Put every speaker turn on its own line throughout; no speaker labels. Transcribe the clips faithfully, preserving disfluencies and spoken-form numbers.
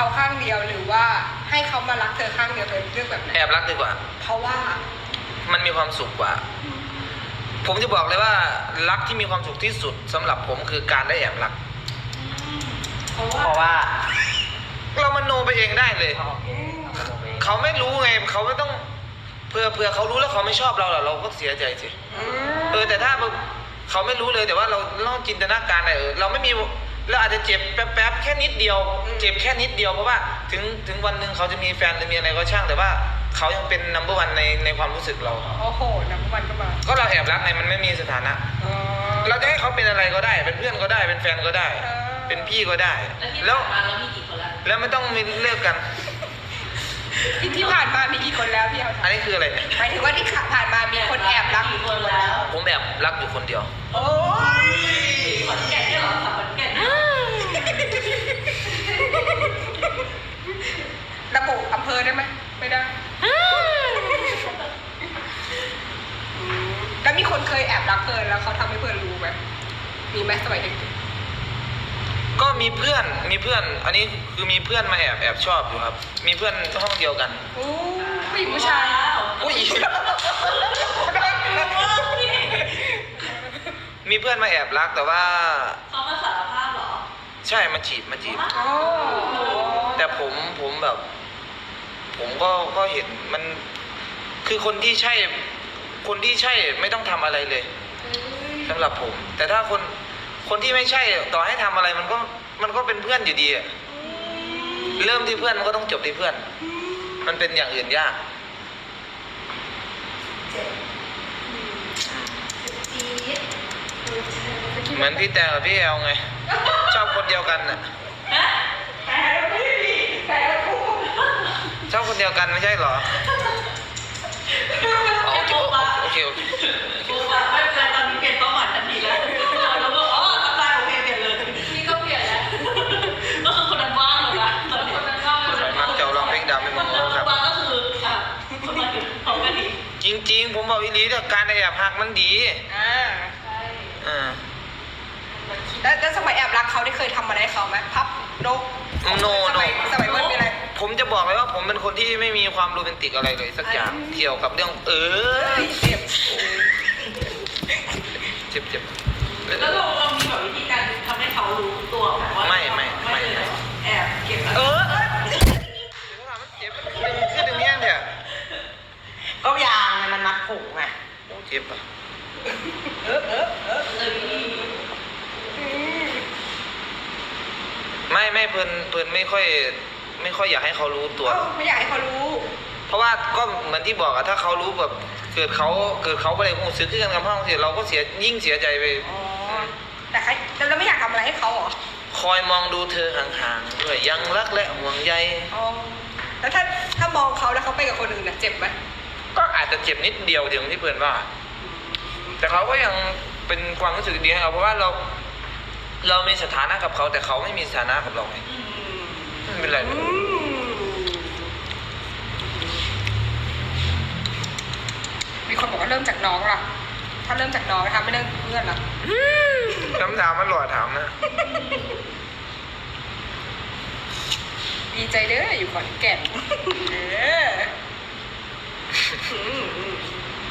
เขาข้างเดียวหรือว่าให้เขามารักเธอข้างเดียวเธอเลือกแบบไหน
แอบรักดีกว่า
เพราะว่า
มันมีความสุขกว่า ผมจะบอกเลยว่ารักที่มีความสุขที่สุดสำหรับผมคือการได้แอบรัก
เพราะ
เพ
ว่า
ราะว่า
เรามโนไปเองได้เลย
โอเคเอาไป
เขาไม่รู้ไงเขาไม่ต้องเผื่อเผื่อเขารู้แล้วเขาไม่ชอบเราหรอเราก็เสียใจสิ
อืม
เออแต่ถ้าเขาไม่รู้เลยแต่ว่าเราเราจินตนาการเออเราไม่มีเราอาจจะเจ็บแป๊บๆแค่นิดเดียว เจ็บแค่นิดเดียวเพราะว่าถึงถึงวันหนึ่งเขาจะมีแฟนหรือมีอะไรก็ช่างแต่ว่าเขายังเป็นนัมเบอร์วันในในความรู้สึกเรา
โอ้โหน้ำมันก็มา
ก็เราแอบรักไงมันไม่มีสถานะ
อ๋อ
เราจะให้เขาเป็นอะไรก็ได้ เป็นเพื่อนก็ได้เป็นแฟนก็ได้
เออ
เป็นพี่ก็ได้
แล้
แล้ว ว
ที่ผ่านมาเรามีกี่คนละ
แล้วไม่ต้องมีเลิกกัน
ที่ที่ผ่านมามีกี่คนแล้วพี่เอา
อันนี้คืออะไรเนี่ย
หมายถึงว่าที่ผ่านมามีคนแอบรัก
กี่คนแล้ว
ผมแอบรักอยู่คนเดียว
โอ้ย
ขอนแก่นเนี่ยเหรอขับขอนแก่นเนี่ย
ระบุอำเภอได้ไหมไม่ได้อืมแล้วมีคนเคยแอบรักเฟิร์นแล้วเขาทำให้เฟิร์นรู้ไหมมีไหมสมัยเด็ก
ก็มีเพื่อนมีเพื่อน อันนี้คือมีเพื่อนมาแอบแอบชอบอยู่ครับ มีเพื่อนห้องเดียวกัน
ๆอู้ผู้หญิงผู้ชาย
อุ้ยมีเพื่อนมาแอบรักแต่ว่า
เขามาสารภาพเหรอ
ใช่มาจีบมาจีบ
โอ้
แต่ผมผมแบบ ผมก็ก็เห็นมันคือคนที่ใช่ คนที่ใช่ไม่ต้องทำอะไรเลยสำหรับผม แต่ถ้าคนคนที่ไม่ใช่ต่อให้ทำอะไรมันก็มันก็เป็นเพื่อนอยู่ดีอะเริ่มที่เพื่อนมันก็ต้องจบที่เพื่อน มันเป็นอย่างอื่นยาก เหมือนพี่แต่กับพี่แอลไง ชอบคนเดียวกันน่ะชอบคนเดียวกันไม่ใช่เหรออ๋อโอเคโอเคโอเค
กูแบบไม่เป็นไรตอนนี้เปลี่ยนเป้าหมายทันทีแล้วเราก็อ๋อทำได้โอเคเปลี่ยนเลยนี่ก็เปลี่ยนแล้วก็คือคนนั้นว่างเลยนะตอนนี้คนนั้นว่างเลย
สวยมากเจ้าลองเพลงดำให้มึงรู้ครับ
ว่างก็คืออ่ะคนมาถึงพร้อมกันอีก
จริงๆ ผมบอกอีหลีแต่การแอบหักมันดี
อ่า
อ่า
แล้วแล้วสมัยแอบรักเขาได้เคยทำอะไรให้เขาไหมพับนก
โน
ส
โน
มัยสมัยเมื่อมีอะไร
ผมจะบอกเลยว่าผมเป็นคนที่ไม่มีความโรแมนติกอะไรเลยสักอย่าง
อืม
เกี่ยวกับเรื่อง เออ
เจ็บ
เจ็บเจ็บ
แล้วเราเรามีแบบวิธีการทำให้เขารู้ตัวแบบว่า
ไม่ไม่ไม่
เลยเหรอแอบเก็บ
เออเออเดี๋ยวก่อนมันเจ็บมันดึงขึ้นตรงเนี้ยเนี่ย
ก็ยางไงมันมัดผมไง
โอ้เจ็บอ่ะ
เออเออเออ
เออ
อืม
ไม่ไม่เพิ่นเพิ่นไม่ค่อย ไม่ค่อยอยากให้เขารู้ตัว
เอ้าไม่อยากให้เขารู้
เพราะว่าก็เหมือนที่บอกอะถ้าเขารู้แบบเกิดเขาเกิดเขาไปเลยหูซื้อขึ้นกันกับห้องเสียเราก็เสียยิ่งเสียใจไป
อ๋อ แต่ใครแต่เราไม่อยากทำอะไรให้เขาเหรอ
คอยมองดูเธอห่างๆด้วยยังรักและห่วงใย
อ๋อ แล้วถ้าถ้ามองเขาแล้วเขาไปกับคนอื่นน่ะเจ็บไหม
ก็อาจจะเจ็บนิดเดียวเดียวที่เพื่อนว่า แต่เขาก็ยังเป็นความรู้สึกดีให้เราเพราะว่าเรา เรามีสถานะกับเขาแต่เขาไม่มีสถานะกับเราไงไม่เป็นไรเล
อื
ย
มมีคนบอกว่าเริ่มจากน้องล่ะ ถ้าเริ่มจากน้องนะคะไม่เริ่มเพื่อนล่ะ
คำถามมันหล่อถามนะ
ดีใจเด้ออยู่ขอนแก่นเอออืมอืม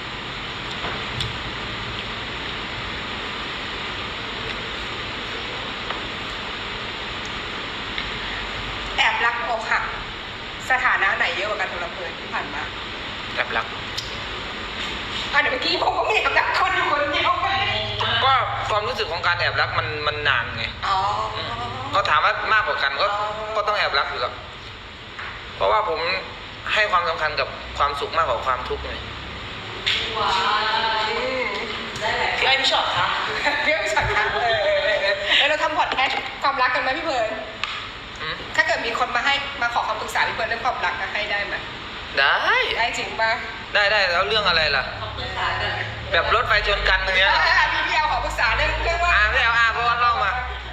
แอบรักอกหักสถานะไหนเยอะกว่ากันสำหรับเพื่อนที่ผ่านมา
แอบรัก
อ่ะเดี๋ยวเมื่อกี้ผมก็มีแอบรักคนอยู่คนเดียวไป
ก็ความรู้สึกของการแอบรักมันมันนานไง
อ๋อ
ก็ถามว่ามากกว่ากันก็
อ๋อ
ก็ต้องแอบรักอยู่แล้วเพราะว่าผมให้ความสำคัญกับความสุขมากกว่าความทุกข์ไง
ว้าว
อืม
ได้แหละ
พี่อ้อยพี่ชอบครับ
เรื่องสักครั้งเออเออเออเออแล้วเราทำพอดแคสต์ความรักกันไหมพี่เพิร์น
อืม
ถ้าเกิดมีคนมาให้มาขอคำปรึกษาพี่เพิร์นเรื่องความรักนะให้ได้ไหม
ได้
ได้จริงป่ะ
ได้ได้แล้วเรื่องอะไรล่ะ
เขาปรึกษากัน
แบบรถไฟชนกันอย่างเงี้ย
อ่ะพี่พี่เอาขอปรึกษาเรื่องเรื่องว่า
อ่าไม่เอาอ่าเพราะว่าเล่ามา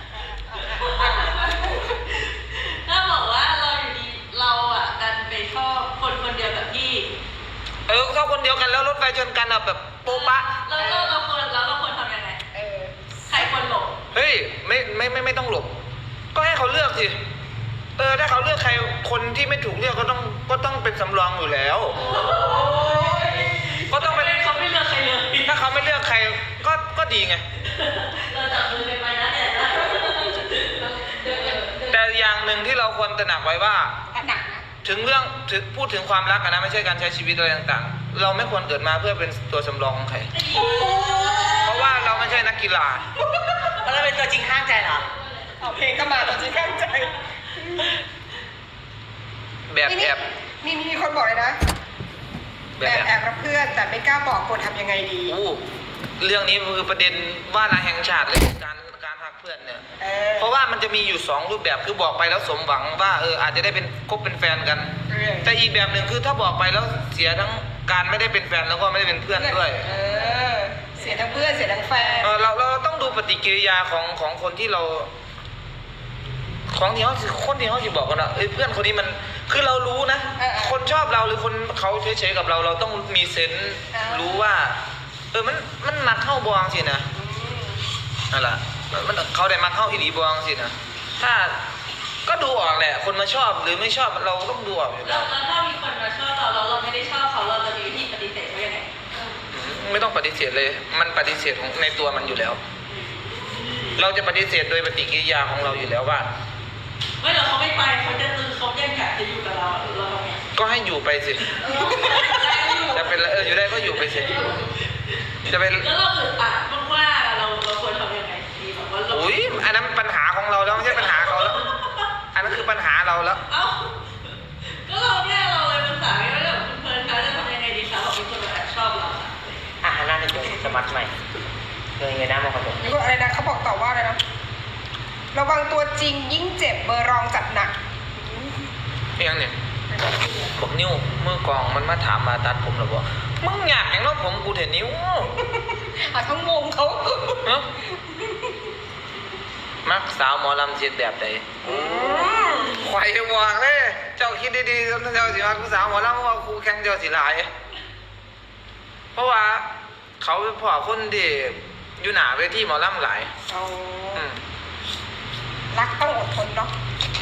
ถ้าบอกว่าเราอยู่ดีเราอ่ะดันไปชอบคนคนเดียวกับพี่
เออเขาคนเดียวกันแล้วรถไฟชนกันอะแบบโป๊ะปะ
แล้วเราเราควรแล้วเราควรทำยังไง
เออ
ใครควรหลบ
เฮ้ยไม่ไม่ไม่ไม่ต้องหลบ ก็ให้เขาเลือกสิเออถ้าเขาเลือกใครคนที่ไม่ถูกเลือกก็ต้องก็ต้องเป็นสำรองอยู่แล้ว ก็ต้องเป็น
เขาไม่เลือกใครเลย
ถ้าเขาไม่เลือกใครก็ก็ดีไง
เราจับมือกันไปนะเนี่ยนะ
แต่อย่างหนึ่งที่เราควรตระหนักไว้ว่า
อันหนักนะ
ถึงเรื่องถึงพูดถึงความรักอะนะไม่ใช่การใช้ชีวิตอะไรต่างๆ เราไม่ควรเกิดมาเพื่อเป็นตัวสำรองของใคร เพราะว่าเราไม่ใช่นักกีฬา
แล้วเป็นตัวจริงข้างใจเหรอ
เอาเพลงก็มาแต่จริงข้างใจ
แบบแอบ
นี่มีคนบอกเลยนะ
แบ
แบบ บ
แอบ
แอบรักเพื่อนแต่ไม่กล้าบอกควรทำยังไงดี
อู้เรื่องนี้คือประเด็นว่าระแห่งชาติเลยการการหักเพื่อนเนี่ย
เออ
เพราะว่ามันจะมีอยู่สองรูปแบบคือบอกไปแล้วสมหวังว่าเอออาจจะได้เป็นคบเป็นแฟนกัน
เออ
แต่อีกแบบหนึ่งคือถ้าบอกไปแล้วเสียทั้งการไม่ได้เป็นแฟนแล้วก็ไม่ได้เป็นเพื่อนด้วย
เออ เสียทั้งเพื่อนเสียทั้งแฟน
เออเราเราต้องดูปฏิกิริยาของของคนที่เรา ของที่เขาสิคนที่เขาสิบอกกันนะเอ้ยเพื่อนคนนี้มันคือเรารู้นะ
เออเออ
คนชอบเราหรือคนเขาเฉยๆกับเรา เราต้องมีเซนส์
เออ
รู้ว่า เออมันมันมักเข้าบวงสินะนั่นแหละมันเขาได้มักเข้าอีหลีบวงสินะถ้าก็ดูออกแหละ คนมาชอบหรือไม่ชอบเราต้องดูออกอยู่
แล้
แล้ว ว
แล้วถ้ามีคนมาชอบเราแล้วเราไม่ได้ชอบเขาเราจะมีวิธีปฏิเสธเขายังไง
ไม่ต้องปฏิเสธเลย มันปฏิเสธของในตัวมันอยู่แล้ว เราจะปฏิเสธโดยปฏิกิริยาของเราอยู่แล้วว่า
ไม่เราเขาไม่ไปเขาจะตึงเขายังอยากจะอยู่กับเราเราทำไง
ก็ให้อยู่ไปสิจะเป็นเอออยู่ได้ก็อยู่ไปสิจะเป็น
แล้วเราอึดอัดมากๆเราเราควรทำยังไงดีแบบว่าเรา
อุ้ยอันนั้นมันปัญหาของเราแล้วไม่ใช่ปัญหาเขาแล้ว อันนั้นคือปัญหาเราแล้ว
เอ้าก็เราเนี่ยเราเลยภาษาไม่ได้แบบเพลินๆคะจะทำยังไงดีคะเราเป็นคนแบบชอบเราอะ
อ่ะหันหน้าจะเจอสมัครใหม่เลยเงยหน้ามองกระจก
นี่ก็อะไรนะเขาบอกต่อว่าอะไรนะระวังตัวจริงยิ่งเจ็บเบอร์รองจัดหนัก
เพียงเนี่ยบอกนิ้วมือกองมันมาถามมาตัดผมหรอบอกมึงอยากอย่างน้องผมกูเห็นนิ้ว
อ่ะทั้งวงเขา
เนอะมักสาวหมอลำเจ็ดแบบใดไข่หวางเลย เจ้าคิดดีๆเจ้าสิมักสาวหมอลำว่าครูแข่งเจ้าสิหลาย เพราะว่าเขาเป็นพ่อคนที่อยู่หนาเวทีหมอลำหลาย
เอา
อืม
รักต้องอดทนเนาะ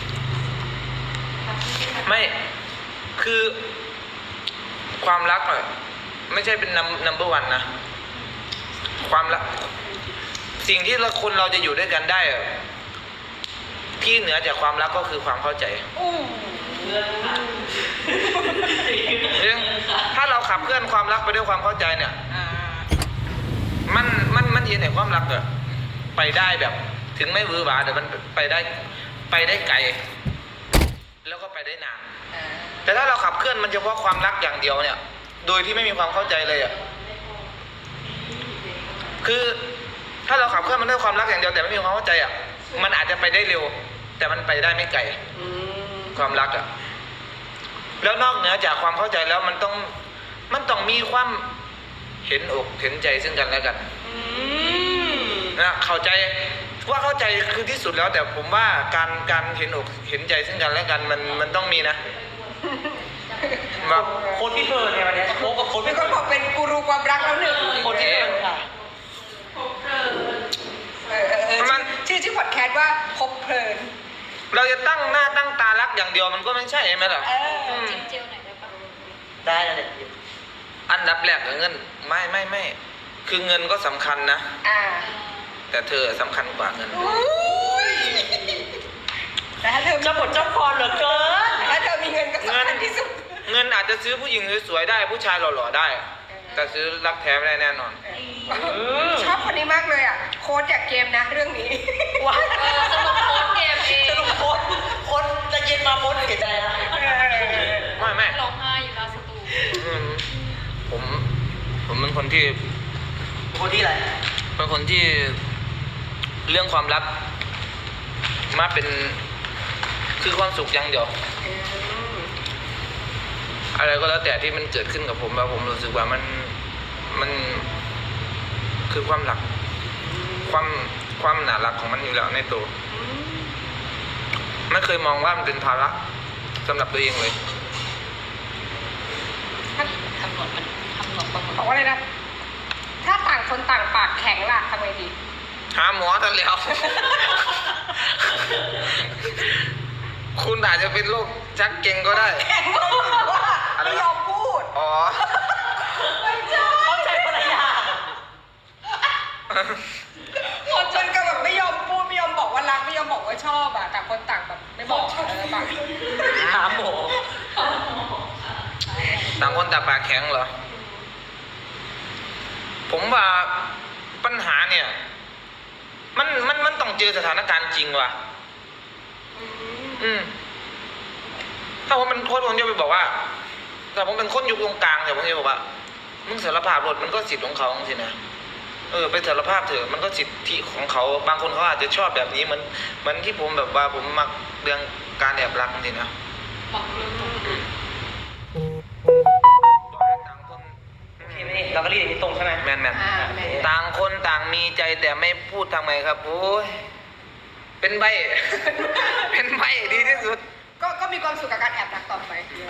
ไม่คือความรักอะไม่ใช่เป็นนัมนัมเบอร์วันนะความรักสิ่งที่เราคนเราจะอยู่ด้วยกันได้อะที่เหนือจากความรักก็คือความเข้าใจ
อู้
เงินค่ะ
เรื่องถ้าเราขับเคลื่อนความรักไปด้วยความเข้าใจเนี่ย
อ่า
มันมันมันเห็นในความรักอะไปได้แบบ ถึงไม่วือหวาแต่มันไปได้ไปได้ไกล แล้วก็ไปได้นาน
อ่า
แต่ถ้าเราขับเคลื่อนมันเฉพาะความรักอย่างเดียวเนี่ย โดยที่ไม่มีความเข้าใจเลยอ่ะ คือถ้าเราขับเคลื่อนมันด้วยความรักอย่างเดียวแต่ไม่มีความเข้าใจอ่ะ มันอาจจะไปได้เร็ว แต่มันไปได้ไม่ไกล
อืม
ความรักอ่ะ แล้วนอกเหนือจากความเข้าใจแล้วมันต้องมันต้องมีความเห็นอกเห็นใจซึ่งกันและกัน
อืม
นะเข้าใจว่าเข้าใจคือที่สุดแล้ว แต่ผมว่าการการเห็นอกเห็นใจซึ่งกันและกันมันมันต้องมีนะแบบ
โค้ดพี่เพิร์นเนี่ยวันเนี้ยโค้ดกับโค้ด
มี
พี่
ค
เพิ
น
ร์น
บอกเป็นกูรูความรักแล้วหนึ่ง
โค้ดพี่เพิร์นค่ะ
พบเจอ
เออเออเออชื่อชื่อพอดแคสต์ว่าพบเพลิน
เราจะตั้งหน้าตั้งตารักอย่างเดียวมันก็ไม่ใช่ไหมล่ะ
เออ
ม
จิ้มเจลหน่อยได้ปะ
ได้แล้วเนี่ย
อันดับแรกกับเงิน ไม่ไม่ไม่คือเงินก็สำคัญนะ
อ่า
แต่เธอสำคัญกว่าเงิน
อุ้ยแต่ถ้าเธอ
เจ้าบทเจ้าพรเหลือเกิน
ถ้าเธอมีเงินก็สำคัญที่สุด
เงินอาจจะซื้อผู้หญิงสวยๆได้ผู้ชายหล่อๆได้ แต่ซื้อรักแท้ไม่ได้แน่นอน
ชอบคนนี้มากเลยอ่ะ โค้ดอยากเกมนะเรื่องนี้
ว้า
เออสรุปโค้ดเกมเอง
สรุปโค้ดโค้ดจะเย็นมาโค้ดเสียใจนะ
ไม่ไม่
ร้องไห้อยู่หน้าสตู
อืมผมผมเป็นคนที่
โค้ดที่อะไร
เป็นคนที่เรื่องความรักมาเป็นคือความสุขอย่างเดียว อะไรก็แล้วแต่ที่มันเกิดขึ้นกับผมแล้วผมรู้สึกว่ามันมันคือความหลัก ความความหนารักของมันอยู่แล้วในตัวไม่เคยมองว่ามันเป็นภาระสำหรับตัวเองเลย
คำนวณมันคำนวณประมาณ
บอกว่าอะไรนะ ถ้าต่างคนต่างปากแข็งล่ะทำไงดี
หาหมอทันแล้ว คคุณอาจจะเป็นโรคชักเก่งก็ได้
แข็งเลยว่าไม่ยอมพูด
อ๋อ
ไม่ใช่
เข้าใจคนละอย่าง
หมดจนกับแบบไม่ยอมพูดไม่ยอมบอกว่ารักไม่ยอมบอกว่าชอบอะต่างคนต่างแบบไม่บอกเออต่าง
ถามหมอ
ต่างคนต่างปากแข็งเหรอ ผมว่าปัญหาเนี่ย มันมันมันต้องเจอสถานการณ์จริงว่ะ อืม ถ้าผมเป็นโค้ชผมจะไปบอกว่า แต่ผมเป็นคนอยู่ตรงกลางแต่ผมจะบอกว่า มึงสารภาพรถมันก็สิทธิ์ของเขาสินะ เออไปสารภาพเถอะมันก็สิทธิของเขา บางคนเขาอาจจะชอบแบบนี้เหมือนเหมือนที่ผมแบบว่าผมมักเรื่องการแอบรักจริงนะ
บอกเรื่องตรง
ต่างคน
โอเคไหมนี่เราก็รีดอย่างนี้ตรงใช่ไหม
แมนแมน
อ่าแม่
ต่างคนต่างมีใจแต่ไม่พูดทำไมครับโอ้ยเป็นใบ เป็นใบดีที่สุด
ก็ก็มีความสุขกับการแอบรักต่อไป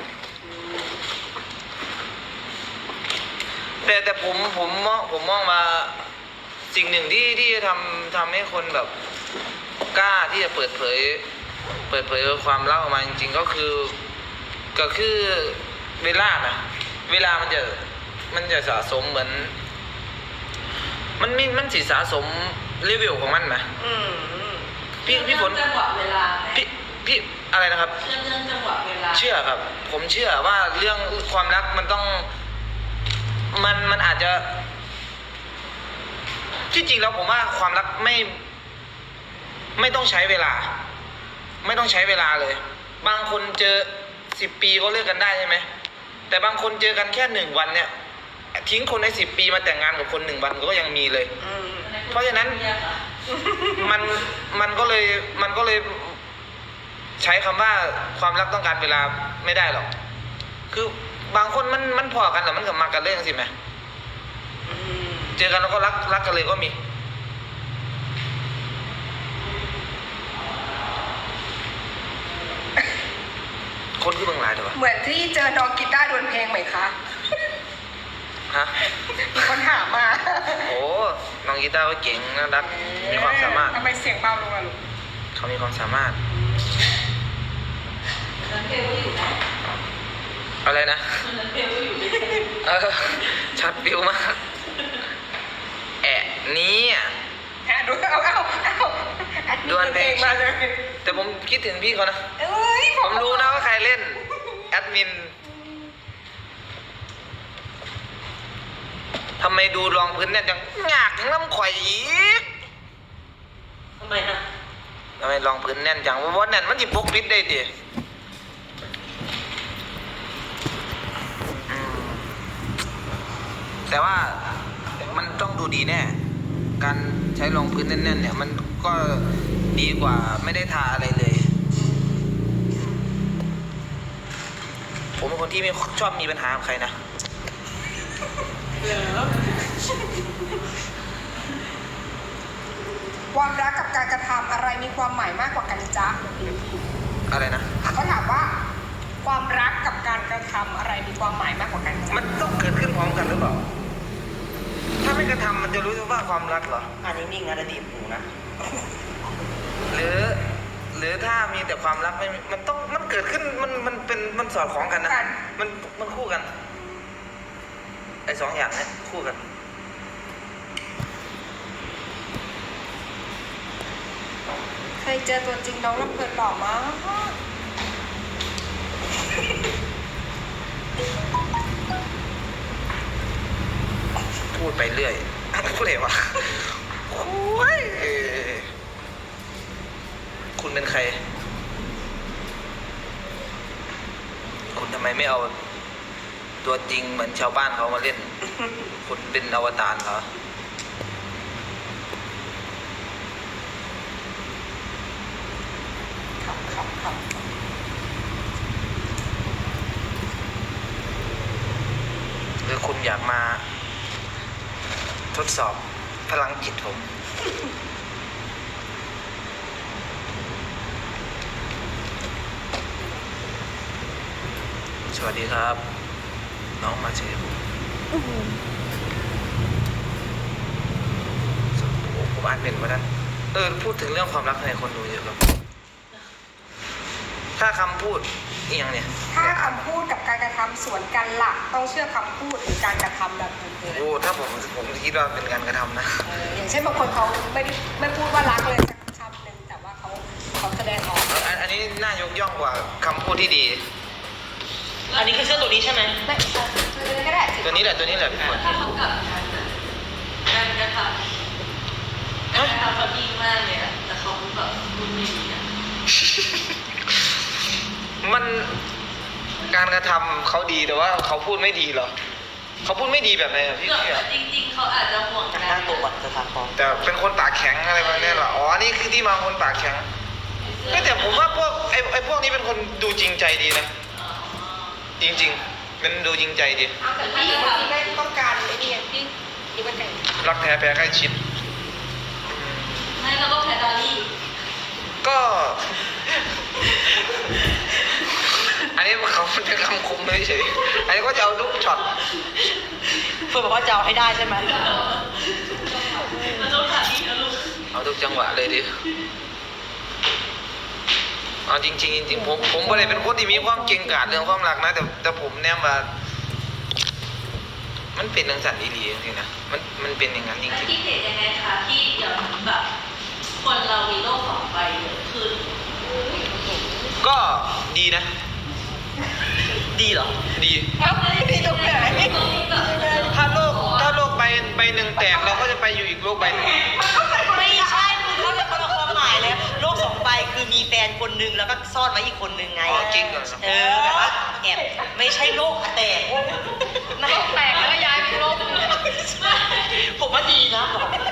แต่แต่ผมผมมองผมมองมาสิ่งหนึ่งที่ที่จะทำทำให้คนแบบกล้าที่จะเปิดเผย เปิดเผยความลับออกมาจริงๆก็คือก็คือเวลานะเวลามันจะมันจะสะสมเหมือน มันมีมันสิสะสมเลเวลของมันไหม
อืม
พี่พี่ฝน
จังหวะเวลาไหม
พี่พี่อะไรนะครับ
เชื่อเรื่องจังหวะเวลา
เชื่อครับ ผมเชื่อว่าเรื่องความรักมันต้อง มันมันอาจจะ ที่จริงแล้วผมว่าความรักไม่ ไม่ต้องใช้เวลา ไม่ต้องใช้เวลาเลย บางคนเจอสิบปีก็เลิกกันได้ใช่ไหมแต่บางคนเจอกันแค่หนึ่งวันเนี่ย ทิ้งคนในสิบปีมาแต่งงานกับคนหนึ่งวันก็ยังมีเลย
อืม
เพราะฉะนั้น
เนี่ยค่ะ
มันมันก็เลยมันก็เลยใช้คำว่าความรักต้องการเวลาไม่ได้หรอก คือบางคนมันมันพอกันแต่มันก็มากันเรื่องสิไหม
อืม
เจอกันแล้วก็รักรักกันเลยก็มี คนที่เบิ่งหลายเถอะวะ
เหมือนที่เจอน้องกีตาร์ดวลเพลงไหมคะ
ฮะ
มีคนถามมา
โอ้น้องกีตาร์ก็เก่งน่ารักมีความสามารถ
ทำไมเสียงเบาลงล่ะลูก
เขามีความสามารถ
นั้นเบลก็อยู่นะ
อะไรนะ
นั้นเบลก็อยู่ด้วย
เออชัดฟิวมากแอะนี้อ่ะ
อ่ะดูเอาเอาเอาอัด
ดวลเพลง
มาเลย
แต่ผมคิดถึงพี่เขานะ
เอ้ย
ผมรู้นะว่าใครเล่น แอดมินทำไมดูรองพื้นเนี่ยจังหยากถึงน้ำข่อยอีก
ทำไมฮะ
ทำไมรองพื้นแน่นจังว่าว่าแน่นมันจิปกปิดได้ดิอืมแต่ว่ามันต้องดูดีแน่ การใช้รองพื้นแน่นๆเนี่ย มันก็ดีกว่าไม่ได้ทาอะไรเลย ผมเป็นคนที่ไม่ชอบมีปัญหากับใครนะ
ความรักกับการกระทำอะไรมีความหมายมากกว่ากันจ๊ะ
อะไรนะ
เขาถามว่า ความรักกับการกระทำอะไรมีความหมายมากกว่ากันจ๊ะ
มันต้องเกิดขึ้นพร้อมกันหรือเปล่า ถ้าไม่กระทำมันจะรู้สึกว่าความรักเหรอ
อ่านนิ่งๆนะแต่ดีบหูนะ
หรือ หรือถ้ามีแต่ความรักไม่มีมันต้องมันเกิดขึ้นมันมันเป็นมันสอดคล้องกันนะ มันมันคู่กัน ไอ้สองอย่างเนี้ยคู่กัน
เคยเจอตัวจริงน้องลำเพลินหล่อมาก
พูดไปเรื่อย พูดเลยวะโอ้ยคุณเป็นใคร คุณทำไมไม่เอาตัวจริงเหมือนชาวบ้านเขามาเล่น คุณเป็นอวตารเหรอ
ครับครับครับ
หรือคุณอยากมาทดสอบพลังจิตผม สวัสดีครับ น้องมาเชฟผมอ่านเป็นมานั้นเออ พูดถึงเรื่องความรักในคนดูเยอะครับถ้าคำพูดอหย่างเนี่ย
ถ้าคำพูดกับการกระทำสวนกันหลักต้องเชื่อคำพูดหรือการกระทำแบบอื่น
โอ้ถ้าผมผมคิดว่าเป็นการกระทำนะ
ๆเอออย่างเช่นบางคนเขาไม่ได้ไม่พูดว่ารักเลยสักคำหนึ่งแต่ว่าเขาเขาแสดงออก
อันอันนี้น่ายกย่องกว่าคำพูดที่ดี
อันนี้คือเสื้อตัวนี้ใช่ไหม
ไม่เออก็ได้
ตัวนี้แหละตัวนี้แหละพี่ฝน
ถ้าเขากลับกันอะการกระทำการกระทำเขาดีมากเลยอะแต่เขาแบบพูดไม่ดีอะ
มันการกระทำเขาดีแต่ว่าเขาพูดไม่ดีเหรอเขาพูดไม่ดีแบบไหนอะพี่
แบบ
พี่อะ
จริงๆเขาอาจจะห่วงกัน
หน้าตัวก่อนสถานพร้อม
แต่เป็นคนปากแข็งอะไรแบบนี้เหรออ๋อนี่คือที่มาคนปากแข็งก็แต่ผมว่าพวกไอ้ไอ้พวกนี้เป็นคนดูจริงใจดีนะ
อ๋อ
จริงๆเป็นดูจริงใจดี
เอาแต่ผู้หญิงบางทีไม่ต้องการไอ้นี่ไงที่ที่มันแต่ง
รักแท้แพ้ใกล้ชิด
ไม่แล้วก็แพดดอลลี่
ก็ อันนี้เขาเป็นคำคมไม่เฉยอันนี้ก็จะเอาทุกช็อต
เพื่อนบอกว่าจะเอาให้ได้ใช่ไหม
มันต้องถ่ายที่นะลูก
เอาทุกจังหวะเลยดิเอาจริงๆจริงๆผมผมไม่ได้เป็นคนที่มีความเก่งกาจเรื่องความรักนะแต่แต่ผมเนี่ยว่ามันเป็นทังสันดีๆจริงๆนะมันมันเป็นอย่างนั้นจ
แล้ว
ริง
คิดเห็นยังไงคะที่เดี๋ยวแบบคนเรามีโลกสองใบเยอะขึ้น
ๆก็ดีนะ
ดีเหรอ
ดี
เอ้านี่ตรงไหน
ถ้าโลกถ้าโลกใบใบหนึ่งแตกเราก็จะไปอยู่อีกโลกใบหนึ่ง
ไม่ใช่คือเขาเลยคนละความหมายเลยโลกสองใบคือมีแฟนคนนึงแล้วก็ซ่อนไว้อีกคนนึงไง
อ๋อจริงเหรอ
เออแบบว่าแอบไม่ใช่โลกอะแตกนะ
แตกแล้วก็ย้ายไปโลกอื่น
ผมว่าดีนะ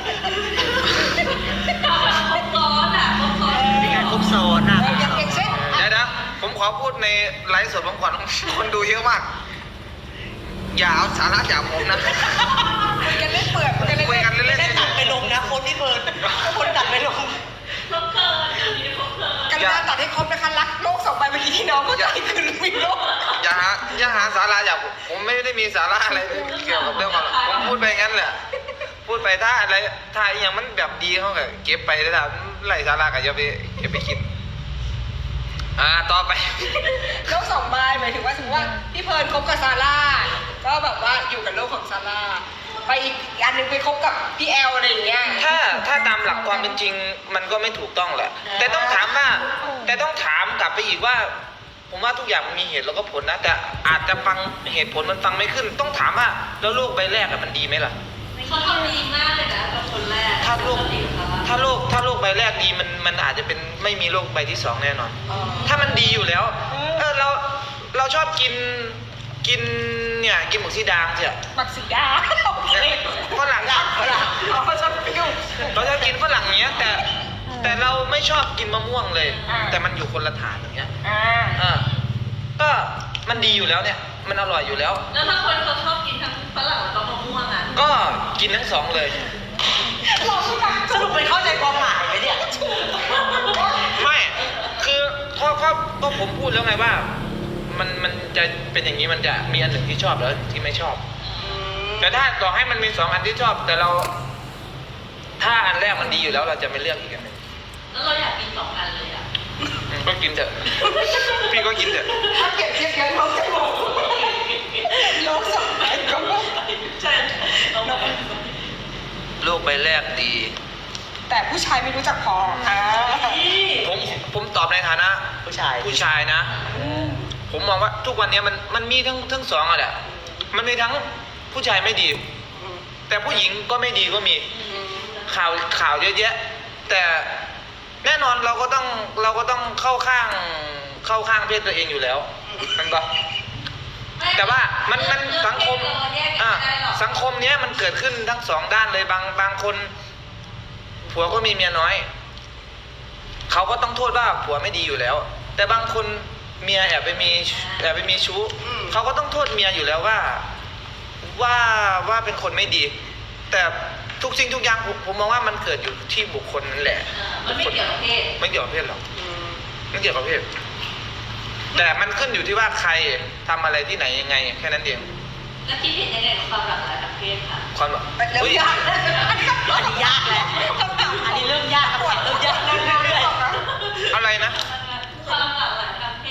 ครบซ้อนอ่ะครบซ้อน
เป็นการครบซ้อนอ่ะ
อย่างอย่างเช่น
เดี๋ยวนะผมขอพูดในไลฟ์สดผมก่อนคนดูเยอะมาก อย่าเอาสาระจากผมนะ
คุยกันเล่นเปื่อยคุยกันเล่น
คุยกันเล่น
ไม่ได้ตัดไปลงนะคนที่เพิร์นคนตัดไปลง
ครบเกินอันนี้ครบเกิน
กันมาตัดให้ครบนะคะรักโลกสองใบเมื่อกี้ที่น้องก็ใจคือมีโลก
อย่าหาอย่าหาสาระจากผมผมไม่ได้มีสาระอะไรเกี่ยวกับเรื่องความรักผมพูดไปงั้นแหละ พูดไปถ้าอะไรถ้าอหย่างมันแบบดีเขาก็เก็บไปแล้วถ้าไรสาระก็อย่าไปอย่าไปคิด อ่าต่อไป
โลกสองใบหมายถึงว่าสมมติว่าพี่เพิร์นคบกับซาร่าก็แบบว่าอยู่กับโลกของซาร่าไปอีกอันหนึงไปคบกับพี่แอลอะไรอย่างเงี้ย
ถ้าถ้าตามหลักความเป็นจริงมันก็ไม่ถูกต้องแหละ แต่ต้องถามว่า แต่ต้องถามกลับไปอีกว่า ผมว่าทุกอย่างมันมีเหตุแล้วก็ผลนะ แต่อาจจะฟังเหตุผลมันฟังไม่ขึ้น ต้องถามว่าแล้วโลกใบแรกอะมันดีไหมล่ะ
เขาทำดีมากเลยนะกับคนแรก
ถ้าโลก
ดีค่ะ
ถ้าโลกถ้าโลกใบแรกดีมันมันอาจจะเป็นไม่มีโลกใบที่สองแน่นอน ถ้ามันดีอยู่แล้ว เออเราเราชอบกินกินเนี่ยกินหมูสีดางเถอะ
บักสีดาโอเค
ฝรั่งฝรั่ง
อ๋อชอบไปยุ่ง
เราชอบกินฝรั่งเนี้ยแต่แต่เราไม่ชอบกินมะม่วงเลย
อ่า
แต่มันอยู่คนละฐานอย่างเงี้ย
อ่า
อ่าก็มันดีอยู่แล้วเนี่ย มันอร่อยอยู่แล้ว
แล้วถ้าคนเขาชอบกินทั้งฝรั่งแล้วก็มะม่วงอ่ะ
ก็กินทั้งสองเลย
เราไม่ได้
สรุปไปเข้าใจความหมายไหมเนี่ย
ไม่คือก็ก็ก็ผมพูดแล้วไงว่า มันมันจะเป็นอย่างนี้มันจะมีอันหนึ่งที่ชอบแล้วที่ไม่ชอบ แต่ถ้าต่อให้มันมีสองอันที่ชอบ แต่เรา ถ้าอันแรกมันดีอยู่แล้ว เราจะไม่เลือกอีกอันหนึ่ง
แล้วเราอยากกินสองอันเลยอ่ะ
อืมก็กินเถอะ พี่ก็กินเถอะ
ถ้าเก็บเทียบกันเราจะบอกโลกสองใบก็บอก
ใช่เอาไป
โลกใบแรกดี
แต่ผู้ชายไม่รู้จักพออ่า
ผมผมตอบในฐานะ
ผู้ชาย
ผู้ชายนะ ผมมองว่าทุกวันนี้มันมันมีทั้งทั้งสองอะแหละ มันมีทั้งผู้ชายไม่ดี แต่ผู้หญิงก็ไม่ดีก็มี ข่าวข่าวเยอะแยะ แต่แน่นอนเราก็ต้องเราก็ต้องเข้าข้างเข้าข้างเพศตัวเองอยู่แล้วมันก็ แต่ว่ามันมันสังคมอ่ะสังคมเนี้ยมันเกิดขึ้นทั้งสองด้านเลยบางบางคนผัวก็มีเมียน้อยเขาก็ต้องโทษว่าผัวไม่ดีอยู่แล้ว แต่บางคนเมียแอบไปมีแอบไปมีชู้เขาก็ต้องโทษเมียอยู่แล้วว่าว่าว่าเป็นคนไม่ดี แต่ทุกสิ่งทุกอย่างผมผมมองว่ามันเกิดอยู่ที่บุคคลนั่นแหละ
มันไม่เกี่ยวกับเพศ
ไม่เกี่ยวกับเพศหรอกไม่เกี่ยวกับเพศแต่มันขึ้นอยู่ที่ว่าใครทำอะไรที่ไหนยังไงแค่นั้นเอง
แล้วคิดเห็นยังไงกับความหลากหลายทางเพศค่ะ
ความแบบ
เริ่มยากแล้วอันนี้ก็
อันนี้ยากแล้วอันนี้เริ่มยากคำถามเริ่มยากเรื่อย
อะไรนะ
ความหลากหลายทางเพ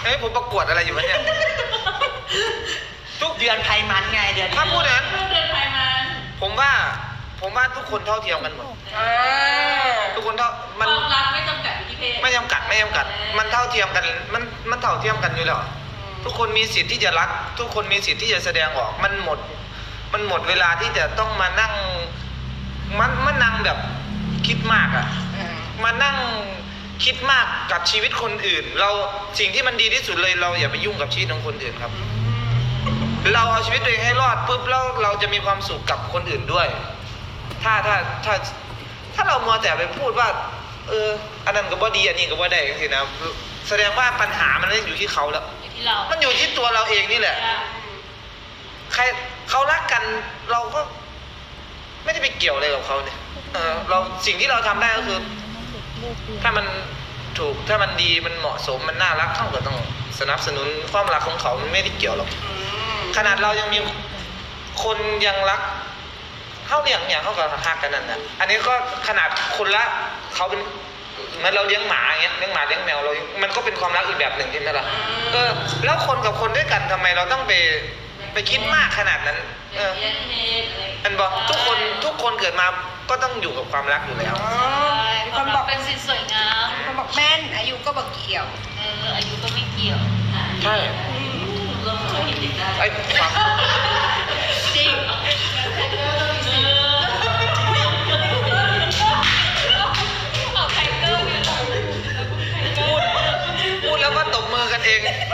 ฮ้ยผมประกวดอะไรอยู่วะเนี่ย
ทุกเดือนไพมันไงเดือน
ถ้าพูดอย่างนั้น
เดินไปมัน
ผมว่าผมว่าทุกคนเท่าเทียมกันหมด
อ่า
ทุกคนเท่า
ค
มัน
วามรักไม่จำกัดอยู่ที่เพศ
ไม่จำกัดไม่จำกัด มันเท่าเทียมกัน มันมันเท่าเทียมกันอยู่แล้ว ทุกคนมีสิทธิ์ที่จะรัก ทุกคนมีสิทธิ์ที่จะแสดงออก มันหมด มันหมดเวลาที่จะต้องมานั่ง มันมันนั่งแบบคิดมากอะ
อ่า
มานั่งคิดมากกับชีวิตคนอื่น เราสิ่งที่มันดีที่สุดเลยเราอย่าไปยุ่งกับชีวิตของคนอื่นครับ เราเอาชีวิตตัวเองให้รอดปุ๊บแล้วเราจะมีความสุขกับคนอื่นด้วย ถ้าถ้าถ้าถ้าเรามัวแต่ไปพูดว่า เออ อันนั้นก็บ่ดีอันนี้ก็บ่ได้สินะแสดงว่าปัญหามันไม่ได้อยู่ที่เขาแล้ว
อยู่ที่เรา
มันอยู่ที่ตัวเราเองนี่แหละ ใครเขารักกันเราก็ไม่ได้ไปเกี่ยวอะไรกับเขาเนี่ยเออเราสิ่งที่เราทำได้ก็คือ ถ้ามันถูกถ้ามันดีมันเหมาะสมมันน่ารักเขาก็ต้องสนับสนุนความรักของเขามันไม่ได้เกี่ยวหรอก
อืม
ขนาดเรายังมีคนยังรักเขาเลี้ยงอย่างเขาก็หักกันนั่นนะอันนี้ก็ขนาดคนละเขาเป็นเหมือนเราเลี้ยงหมาอย่างเงี้ยเลี้ยงหมาเลี้ยงแมวเรา มันก็เป็นความรักอีกแบบหนึ่งใช่ไหมล่ะเออแล้วคนกับคนด้วยกันทำไมเราต้องไปไปคิดมากขนาดนั้น เออ
เรียนเพศอะไร
อันบอกทุกคนทุกคนเกิดมาก็ต้องอยู่กับความรักอยู่แล้ว
อ๋อมี
ค
คน
วาม
บ
รั
อก
กเป็นสิ่งสวยงาม
มีคนบอกแม่นอายุก็บอกเกี่ยว
เอออายุก็ไม่เกี่ยว
ใช่
เราเคยเห็นเด็กได้
ไอ้ความ
จริงเอาไทเกอร์เนี่ย
พูดพูดแล้วก็ตบมือกันเอง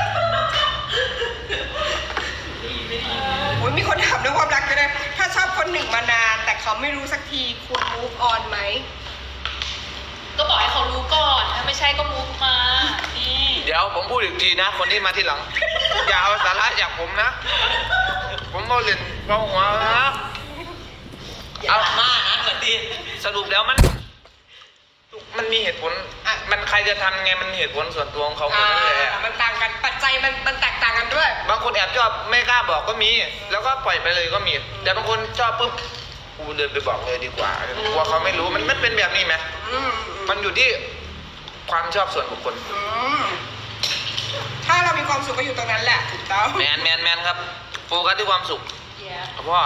โอ้ยมีคนถามเรื่องความรักกันเลยถ้าชอบคนหนึ่งมานาน แต่เขาไม่รู้สักทีควร move on ไหม
ก็บอกให้เขารู้ก่อน ถ้าไม่ใช่ก็มุกมา นี่
เดี๋ยวผมพูดอีกทีนะ คนที่มาที่หลัง อย่าเอาสาระจากผมนะ ผมเอาเล่นเบาหัวนะ
อย่ามานะเหมือนดี
สรุปแล้วมัน มันมีเหตุผลอ่ะมันใครจะทำไงมันเหตุผลส่วนตัวของเขาหมด
อ่า
นั่นแหละ
มันต่างกันปัจจัยมันมันแตกต่างกันด้วย
บางคนแอบชอบไม่กล้าบอกก็มี แล้วก็ปล่อยไปเลยก็มี แต่บางคนชอบปุ๊บกูเดินไปบอกเลยดีกว่ากลัวเขาไม่รู้มันมันเป็นแบบนี้ไหม
อืม
มันอยู่ที่ความชอบส่วนบุคคล
อืมถ้าเรามีความสุขก็อยู่ตรงนั้นแหละถูกต้อง
แมนแมนแมนครับ โฟกัสที่ความสุข
เดี๋ยว
พ่อ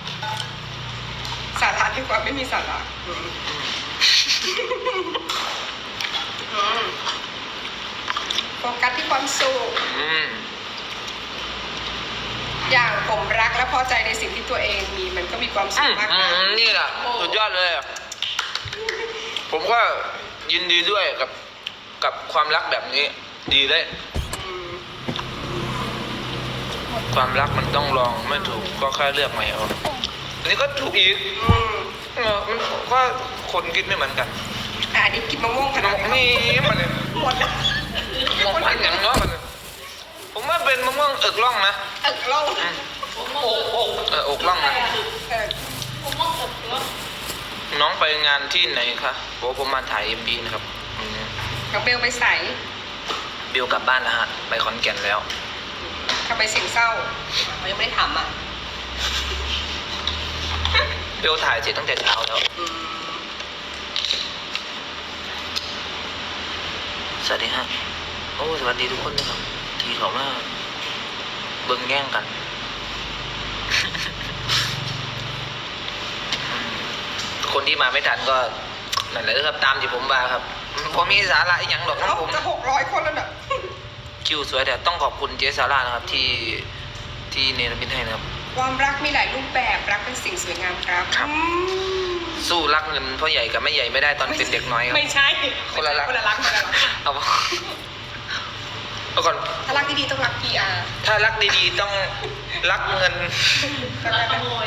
สาระดีกว่าไม่มีสาระอืมอืมโฟกัสที่ความสุข
อืม
อย่างผมรักและพอใจในสิ่งที่ตัวเองมีมันก็มีความสุ
อื
ข
ม
มาก
อื
นะ
มนี่แหละสุดยอดเลยอะผมก็ยินดีด้วยกับกับความรักแบบนี้ ดีเลย
อืม
ความรักมันต้องลองไม่ถูกก็แค่เลือกใหม่เอาอันนี้ก็ถูกอีก
อืม
เออมันก็คนคิดไม่เหมือนกัน
อ่ะอันนี้กินมะม่วงขนาดไหน
นี่มันเนี่ย
หมดแล้ว
มองมันอย่างเนาะมันเนี่ยผมว่าเป็นมะม่วงเอกล่องนะ
เอกล่อง
อืม
ผมมองอก
เอออกล่องนะ
เออ
ผมมองอกด้วย
น้องไปงานที่ไหนคะโอ้ผมมาถ่ายเอ็มบีนะครับอืม
กับเบลไปใส่
บิวกลับบ้านแล้วฮะไปขอนแก่นแล้ว
ทำไมเสียงเศร้าเขายังไม่ได้ถามอ่ะ
บิวถ่ายเสร็จตั้งแต่เช้าแล้ว
อืม
สวัสดีฮะโอ้สวัสดีทุกคนนะครับ ที่เขามาเบิ่งแย่งกัน คนที่มาไม่ทันก็นั่นแหละครับตามที่ผมมาครับผมมีสาระอีกอย่างหรอกน้อ
เอ้าง
ผม
จะหกร้อยคนแล้วเนี่ย
คิวสวยแต่ต้องขอบคุณเจสาร่านะครับที่ที่เนรมิตให้นะครับ
ความรักมีหลายรูปแบบรักเป็นสิ่งสวยงามครับ
ครับ
อืม
สู้รักเงินพ่อใหญ่กับแม่ใหญ่ไม่ได้ตอนเป็นเด็กน้อยครับ
ไม่ใช่
คนละรัก
คนละรักคนละรัก
เอาเอาก่อน
ถ้ารักดีๆต้องรัก พี อาร์
ถ้ารักดีๆต้องรักเงิน
รักขโมย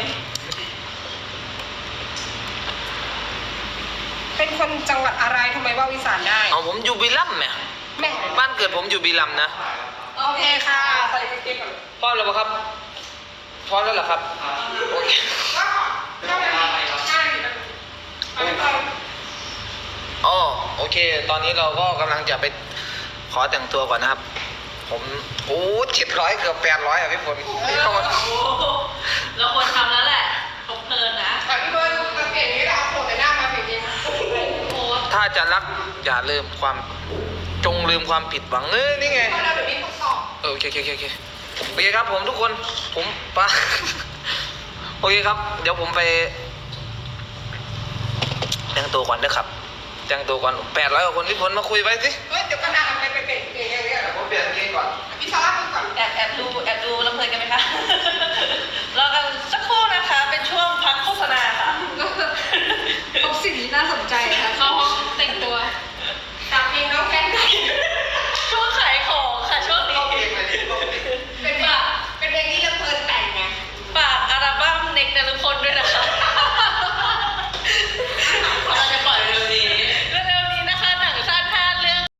เป็นคนจังหวัดอะไรทำไมว่าวิสานได้
เอาผมอยู่บิลัมเนี่ย
แม่
บ้านเกิดผมอยู่บิลัมนะ
โอเคค่ะใส่กางเกงก่อน
พร้อมแล้วปะครับพร้อมแล้วเหรอครับโอเค
ก็เข้าไปใช่เอาไปก่อน
อ๋อโอเค ตอนนี้เราก็กำลังจะไปขอแต่งตัวก่อนนะครับ ผมโอ้เจ็ดร้อยเกือบแปดร้อยอ่ะพี่ฝนนี่เข้ามา
โอ้โหเราควรทำแล้วแหละตกเพลินนะ
อ่ะพี่เบิร์นกางเกงนี้เราเอาโผล่แต่หน้ามาเพลงนี้
โพสต์
ถ้าจะรักอย่าลืมความจงลืมความผิดหวังเออนี่ไง
เพราะเราเดี๋ยวนี้ต้องสอบ
เออโอเคโอเคโอเคโอเคโอเคครับผมทุกคนผมปะ โอเคครับ เดี๋ยวผมไปแต่งตัวก่อนนะครับแต่งตัวก่อนแปดร้อยกว่าคนพี่พลมาคุยไว้สิ
เฮ้ยเดี๋ยวก็นานไปไปเปลี่ยนเกงอย่างเงี้ยเหรอ
ผมเปลี่ยนเกงก่อน
พี่ซาร่าพูดก่อน
แอบแอบดูแอบดูลำเพลินกันไหมคะ รอกันสัก